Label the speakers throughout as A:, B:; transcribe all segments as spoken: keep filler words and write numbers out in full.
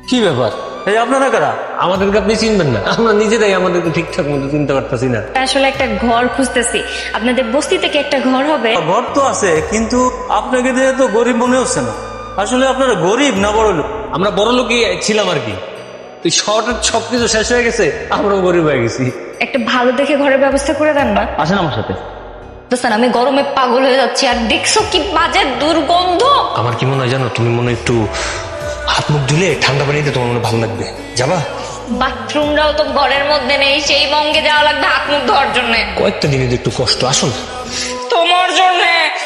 A: কি ব্যাপার? এই আপনারা কারা?
B: আমাদেরকে আপনি চিনবেন না? আমরা নিজেরাই আমাদেরকে ঠিকঠাক মতো চিনতে পারতেছি না।
C: আসলে একটা ঘর খুঁজতেছি, আপনাদের বস্তি থেকে একটা ঘর হবে।
A: ঘর তো আছে, কিন্তু আপনাকে দেখে তো গরিব মনে হচ্ছে না। আসলে আপনারা গরিব না বড় লোক?
B: আমরা বড় লোকই ছিলাম আর কি। তুই শহরের সবকিছু শেষ হয়ে গেছে, আমরাও গরিব হয়ে গেছি।
C: একটা ভালো দেখে ঘরের ব্যবস্থা করে দেন না।
D: আসেন আমার সাথে।
C: দোস্তান, আমি গরমে পাগল হয়ে যাচ্ছি, আর দেখছো কি বাজে দুর্গন্ধ।
B: আমার কি মনে হয় জানো, তুমি মনে হয় একটু হাত মুখ ধুলে ঠান্ডা পানিতে তোমার মনে ভালো লাগবে। যাবা?
C: বাথরুমটাও তো ঘরের মধ্যে নেই, সেই মঙ্গে যাওয়া লাগবে হাত মুখ ধোয়ার জন্য।
B: কয়েকটা দিনের একটু কষ্ট, আসুন।
C: তোমার জন্য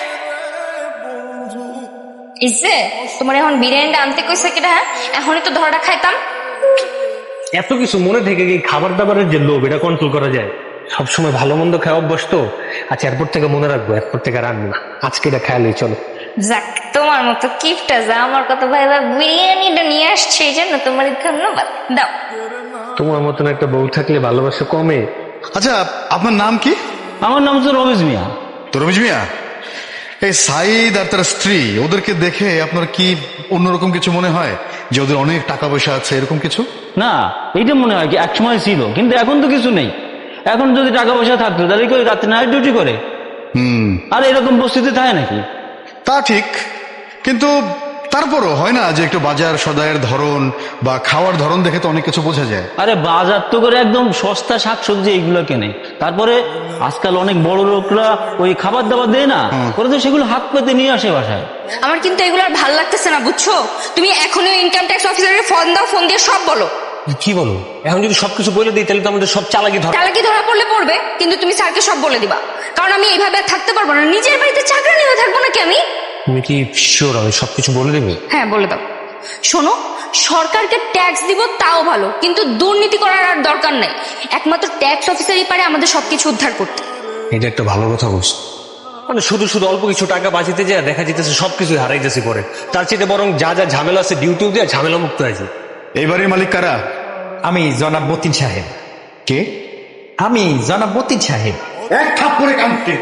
C: ইসে তোমার এখন বিরিয়ানিটা আনতে কইছে কিনা? হ্যাঁ, এখনই তো ধরাটা খাইতাম।
B: এত কিছু মনে থেকে কি খাবার দাবারের যে লোভ, এটা কন্ট্রোল করা যায়? সবসময় ভালো মন্দ খাওয়া অভ্যস্ত। আচ্ছা, এরপর থেকে মনে রাখবো, এরপর থেকে রাখবো না। আজকে এটা খেয়ালই চলো।
C: যাক, তোমার মতো কিপটা যা আমার কথা ভাইবা বিরিয়ানিটা নিয়ে আসছে, এই জন্য তোমার ধন্যবাদ। দাও।
B: তোমার মতন একটা বউ থাকলে ভালোবাসা কমে?
E: আচ্ছা, আপনার নাম কি?
D: আমার নাম তো রমেশ মিয়া।
E: তো রমেশ মিয়া, এই সাইদ আর তার স্ত্রী, ওদেরকে দেখে আপনার কি অন্যরকম কিছু মনে হয়? যে ওদের অনেক টাকা পয়সা আছে, এরকম কিছু?
D: না, এইটা মনে হয় কি একসময় ছিল, কিন্তু এখন তো কিছু নেই। এখন যদি টাকা পয়সা থাকতো তাহলে কেউ রাত্রে নাইট ডিউটি করে।
E: হুম,
D: আর এরকম পরিস্থিতি থাকে নাকি?
E: তা ঠিক, কিন্তু তারপরও হয় না যে একটু বাজার সদায়ের ধরন বা খাওয়ার ধরন দেখে তো অনেক কিছু বোঝা যায়।
D: আরে বাজার তো করে একদম সস্তা শাকসবজি এইগুলো কেনে। তারপরে আজকাল অনেক বড় লোকরা ওই খাবার দাবার দেয় না, ওরা তো সেগুলো হাত পেতে নিয়ে আসে বাসায়।
C: আমার কিন্তু এগুলো আর ভাল লাগতেছে না, বুঝছো? তুমি এখনই ইনকাম ট্যাক্স অফিসারের ফোন দাও, ফোন দিয়ে সব বলো।
B: কি বলো? এখন যদি সবকিছু বলে দিই তাহলে তো আমাদের সব চালাকি ধর।
C: চালাকি ধরা পড়লে পড়বে, কিন্তু তুমি স্যারকে সব বলে দিবা। কারণ আমি এইভাবে আর থাকতে পারবো না, নিজের বাড়িতে চাকরি নিয়ে থাকবো নাকি আমি?
B: তুমি কি শিওর আমি সবকিছু বলে দেবে?
C: হ্যাঁ, বলে দাও। শোনো, সরকারকে ট্যাক্স দিব তাও ভালো, কিন্তু দুর্নীতি করার আর দরকার নাই। একমাত্র ট্যাক্স অফিসারই পারে আমাদের সবকিছু উদ্ধার করতে।
B: এটা একটা ভালো কথা বলছো। মানে শুধু শুধু অল্প কিছু টাকা বাঁচিতে যায় দেখা যেতেছে সবকিছু হারাই যাচ্ছে পরে। তার চেয়ে বরং যা যা ঝামেলা আছে ডিউটি দিয়ে ঝামেলা মুক্ত হয়েছে।
E: এই বাড়ির মালিক কারা?
F: আমি জনাব মতিন সাহেব।
E: কে?
F: আমি জনাব মতিন সাহেব।
E: এক থাপ্পড়ে কানতে।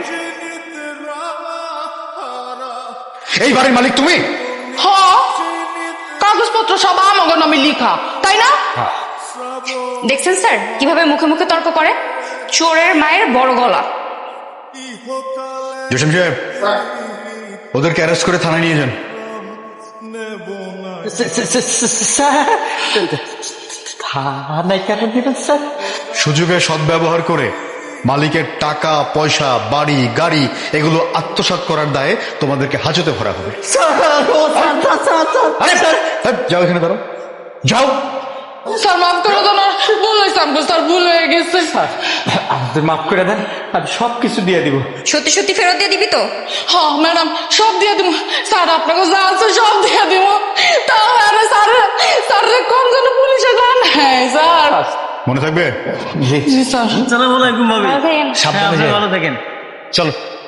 E: এই বাড়ির মালিক তুমি?
G: হ্যাঁ, কাগজপত্র সব আমার নামে লিখা, তাই না?
C: দেখছেন স্যার কিভাবে মুখে মুখে তর্ক করে? চোরের মায়ের বড় গলা।
E: জসিম সাহেব, ওদেরকে অ্যারেস্ট করে থানায় নিয়ে যান।
F: থানায় কেন দিবেন স্যার?
E: সুযোগের সদ্ব্যবহার করে মালিকের টাকা পয়সা বাড়ি গাড়ি এগুলো আত্মসাৎ করার দায়ে তোমাদেরকে হাজতে ভরা হবে। আরে, এই, যাও এখানে দাঁড়াও, যাও।
G: স্যার মাফ করে দেন, আর ভুল হয়েছে আমাকে, স্যার ভুল হয়ে গেছে।
F: আমাদের মাফ করে দেন, আমি সব কিছু দিয়ে দিব।
C: সত্যি সত্যি ফেরত দিয়ে দিবি তো?
G: হ্যাঁ ম্যাডাম, সব দিয়ে দিব স্যার, আপনাকে যা আছে সব দিয়ে দিব। তাও আরে স্যার, স্যার কম যেন পুলিশে যান। হ্যাঁ স্যার,
E: মনে থাকবে?
G: জি স্যার।
D: আসসালামু আলাইকুম ভাবি।
C: ভালো থাকেন।
D: সাবধানে
B: হ্যাঁ,
D: ভালো থাকেন।
B: চলো।